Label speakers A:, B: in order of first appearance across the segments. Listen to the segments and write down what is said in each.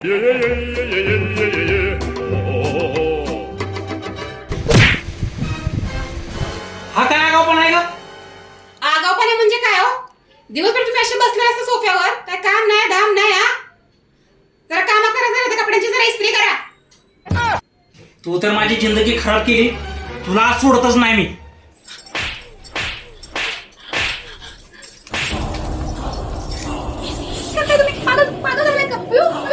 A: हा काय आगाऊपणा आहे का?
B: आगाऊपणा म्हणजे काय हो? दिवसभर तुम्ही असे बसले असता सोफ्यावर, काय काम नाही धाम नाही. हा जरा काम करा, जरा कपड्यांची जरा इस्त्री करा.
A: तू तर माझी जिंदगी खराब केली. तुला आज सोडतच नाही मी.
B: काय तुम्ही पागल झालाय का?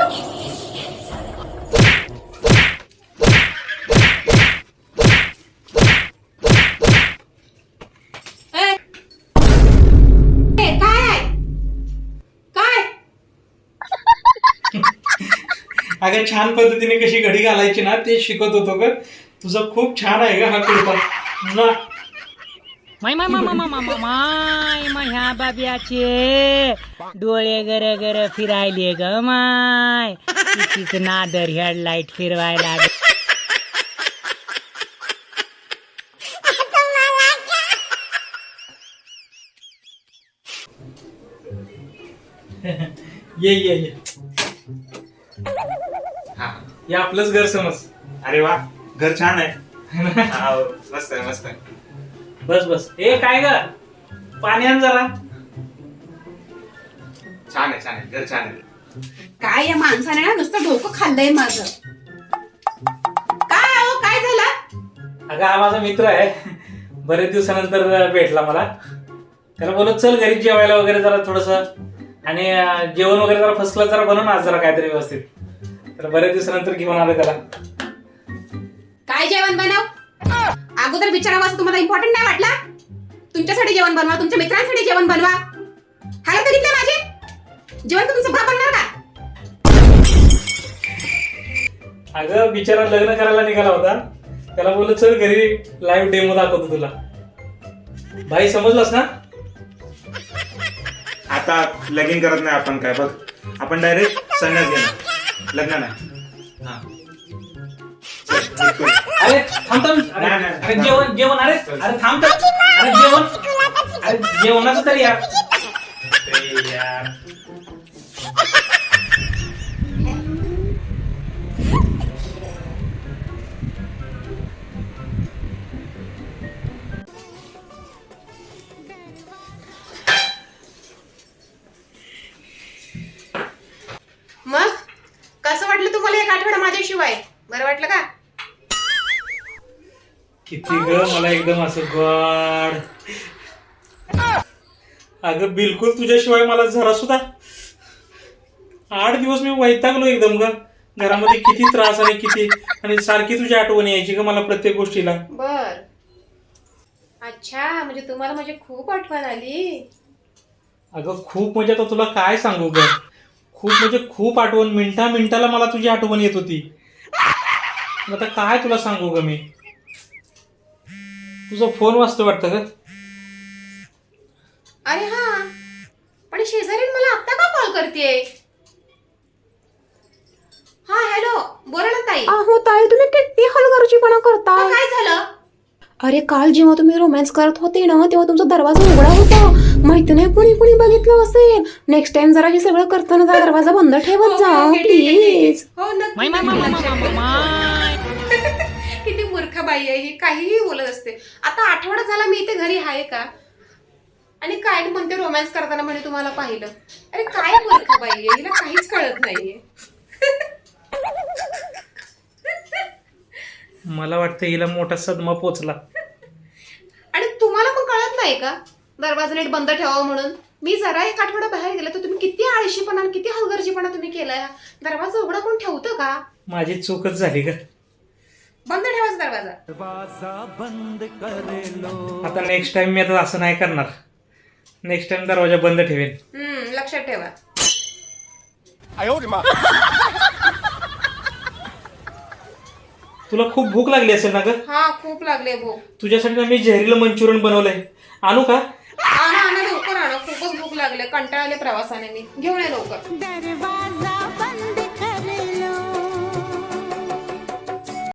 A: अगं छान पद्धतीने कशी घडी घालायची ना ते शिकत होतो ग. तुझं खूप छान आहे ग हा कुर्ता.
C: माय माय माय माय माय माय माय ह्या बाब्याचे डोळे गर गर फिरायले ग माय. तिचीच नादर हेडलाईट फिरवायला.
A: ये ये ये हे आपलंच घर समज.
D: अरे वा, घर छान आहे. मस्त आहे मस्त आहे.
A: बस बस. ए काय ग, पाणी आण जरा.
D: छान आहे छान आहे, घर छान आहे.
B: काय या माणसाने ना नुसतं डोकं खाल्लंय माझं. काय हो, काय झालं?
A: अगं हा माझा मित्र आहे. बरेच दिवसानंतर भेटला मला. त्याला बोलत चल घरी जेवायला वगैरे जरा थोडस, आणि जेवण वगैरे जरा फसलं जरा बनव ना आज जरा काहीतरी व्यवस्थित. तर बरेच दिवसानंतर घेऊन आलो त्याला.
B: काय जेवण बनव? अगोदर विचारावं असं तुम्हाला इम्पॉर्टंट नाही वाटला? तुमच्यासाठी जेवण बनवा, तुमच्या मित्रांसाठी जेवण बनवा. हाय बघितलं माझे जेवण तुमचं बाप बनणार का?
A: अगं बिचारा लग्न करायला निघाला होता. त्याला बोललो चल घरी लाईव्ह डेमो दाखवतो तुला. भाई समजलास ना?
D: आता लगीन करत नाही आपण, काय बघ आपण डायरेक्ट संन्यास घेणार, लग्न नाही. हा
A: अरे थांब थांब. अरे जेवण जेवण. अरे अरे थांब तर. अरे जेवण. अरे जेवणाचं तरी यार.
B: मग कसं वाटलं तुम्हाला एक आठवडा माझ्याशिवाय? बरं वाटलं का?
A: किती ग मला एकदम असं गॉड. अगं बिलकुल तुझ्याशिवाय मला जरा सुद्धा. 8 दिवस मी वैतागलो एकदम ग. घरामध्ये किती त्रास आणि किती, आणि सारखी तुझी आठवण यायची ग मला प्रत्येक गोष्टीला.
B: बर. अच्छा, म्हणजे तुम्हाला माझी खूप आठवण आली.
A: अगं खूप म्हणजे आता तुला काय सांगू ग. खूप म्हणजे खूप आठवण. मिनिटा मिनिटाला मला तुझी आठवण येत होती. आता काय तुला सांगू ग मी. तुझा फोन वाजतो वाटतं ग.
B: अरे हा, पण शेजारी मला आता का कॉल करतेय? हा हॅलो, बोला ना ताई.
E: अहो ताई, तुम्ही किती हलगर्जीपणा करता.
B: काय झालं?
E: अरे काल जेव्हा तुम्ही रोमॅन्स करत होते ना, तेव्हा तुमचा दरवाजा उघडा होता. माहिती नाही कुणी बघितलं असेल. नेक्स्ट टाइम जरा हे सगळं करताना जरा दरवाजा बंद ठेवत जा प्लीज.
B: हो
C: माय माय माय माय माय माय.
B: किती मूर्ख बाई आहे ही, काहीही बोलत असते. आता आठवडा झाला मी इथे घरी आहे का, आणि काय म्हणते रोमॅन्स करताना म्हणे तुम्हाला पाहिलं. अरे काय मूर्ख बाई आहे, हिला काहीच कळत नाहीये.
A: मला वाटतं हिला मोठा सदमा पोचला.
B: आणि तुम्हाला पण कळत नाही का दरवाजा नीट बंद ठेवावं म्हणून? मी जरा एक आठवडा बाहेर गेले तर तुम्ही किती आळशीपणा किती हलगर्जीपणा तुम्ही केलाय. दरवाजा उघडा कोण ठेवतं का?
A: माझी चूकच झाली का.
B: बंद ठेवायचा दरवाजा.
A: आता नेक्स्ट टाइम मी आता असं नाही करणार. नेक्स्ट टाइम दरवाजा बंद ठेवेन.
B: लक्षात ठेवा.
A: तुला खूप भूक लागली असेल ना ग.
B: हा खूप लागले भूक.
A: तुझ्यासाठी ना मी जहरीलं मंचुरियन बनवलंय. आणू का?
B: आणा लवकर आणा, खूपच भूक लागले. कंटाळले प्रवासाने मी. घेऊन ये लवकर.